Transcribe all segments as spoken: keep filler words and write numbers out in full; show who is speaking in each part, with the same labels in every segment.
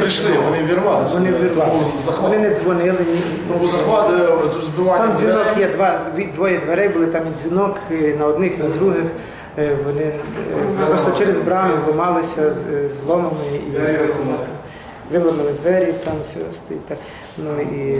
Speaker 1: прийшли, вони вірвалися.
Speaker 2: Вони вирвалися. Вони не дзвонили. Ні.
Speaker 1: Тому захват, розбивання
Speaker 2: Там дзвінок
Speaker 1: дверей.
Speaker 2: є, два, дві- двоє дверей були, там і дзвінок і на одних, на других. Е, Вони е, просто через брами ламалися з з ломами і виламали двері, там все стоїть так. Ну і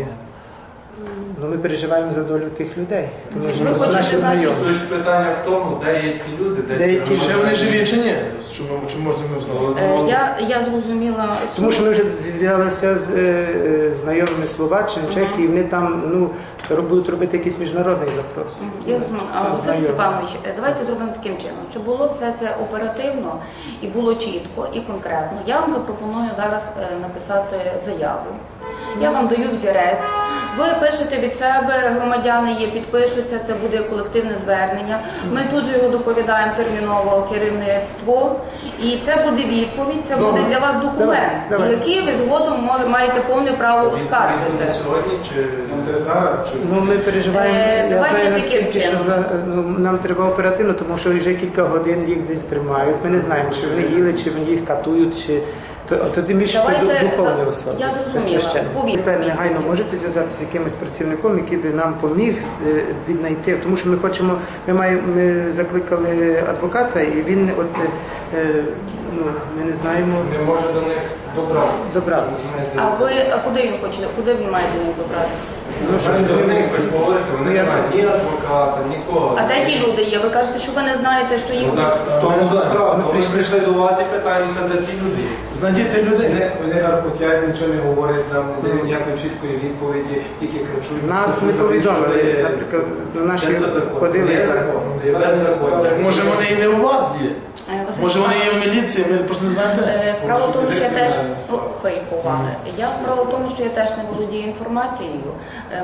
Speaker 2: ну, ми переживаємо за долю тих людей. Тому
Speaker 3: Ви
Speaker 2: що
Speaker 3: хочете
Speaker 2: наші
Speaker 3: знати,
Speaker 2: знайомі.
Speaker 4: Суть питання в тому, де є ті люди, де,
Speaker 2: Де є ті
Speaker 1: Ще вони живі чи ні? Чи, ми- чи можна ми знати?
Speaker 3: Е, Я, я зрозуміла.
Speaker 2: Тому що ми вже зв'язалися з е, знайомими Словаччини, Чехії, вони там ну, роб- будуть робити якийсь міжнародний запрос.
Speaker 3: Я розумію. А,
Speaker 2: Там
Speaker 3: Василь
Speaker 2: знайомі.
Speaker 3: Степанович, е, давайте зробимо таким чином, щоб було все це оперативно і було чітко і конкретно. Я вам запропоную зараз е, написати заяву. Я вам даю взірець. Ви пишете від себе, громадяни є, підпишуться, це буде колективне звернення. Ми тут же його доповідаємо терміново керівництву. І це буде відповідь, це буде для вас документ,
Speaker 2: Давай, давай.
Speaker 3: який ви згодом може- маєте повне право оскаржити.
Speaker 4: Сьогодні чи зараз?
Speaker 2: Ну, ми переживаємо,
Speaker 3: Е,
Speaker 2: я
Speaker 3: давайте
Speaker 2: знаю
Speaker 3: таким
Speaker 2: наскільки, що
Speaker 3: чином.
Speaker 2: за, ну, нам треба оперативно, тому що вже кілька годин їх десь тримають. Ми не знаємо, чи вони їли, чи вони їх катують, чи то, то тим більше це
Speaker 3: Давайте,
Speaker 2: ду- духовні
Speaker 3: так,
Speaker 2: особи.
Speaker 3: я
Speaker 2: це
Speaker 3: зрозуміла.
Speaker 2: священник.
Speaker 3: Повірте
Speaker 2: Тепер
Speaker 3: мені.
Speaker 2: негайно можете зв'язатися з якимось працівником, який би нам поміг е, віднайти, тому що ми хочемо, ми маємо, ми закликали адвоката, і він от е, е, ну, ми не знаємо
Speaker 4: не може до них добратися.
Speaker 2: добратися.
Speaker 3: А ви а куди він хоче? Куди він має до них добратися?
Speaker 2: Ну, що
Speaker 4: Вони
Speaker 2: з ними
Speaker 4: говорити, вони
Speaker 2: Ну, я-
Speaker 4: не мають ні адвоката, нікого.
Speaker 3: А де ті люди є? Ви кажете, що ви не знаєте, що їх
Speaker 4: Ну так, в тому
Speaker 1: Ми не
Speaker 4: то
Speaker 1: знаємо.
Speaker 4: справа.
Speaker 2: Ми
Speaker 4: Ми
Speaker 2: прийшли-
Speaker 4: прийшли до вас і питаємося, де ті люди є.
Speaker 1: Знайдіть тих людей.
Speaker 5: Вони, вони гаркотять, нічого не говорять нам, не дають ніякої чіткої відповіді, тільки кричуть.
Speaker 2: нас
Speaker 5: що
Speaker 2: не
Speaker 5: ви
Speaker 2: повідомили,
Speaker 5: завішуєте.
Speaker 2: наприклад, на наші
Speaker 5: Де то закон?
Speaker 2: ходили.
Speaker 5: Є закон? Є закон.
Speaker 1: Може вони і не у вас є?
Speaker 3: Е, Василь
Speaker 1: Може вони є в
Speaker 3: Степанович,
Speaker 1: міліції, ми просто не знаємо де?
Speaker 3: е, Справа в тому, що я теж
Speaker 5: Порушити
Speaker 3: ну, хай поваги. Я справа в тому, що я теж не володію інформацією. Е,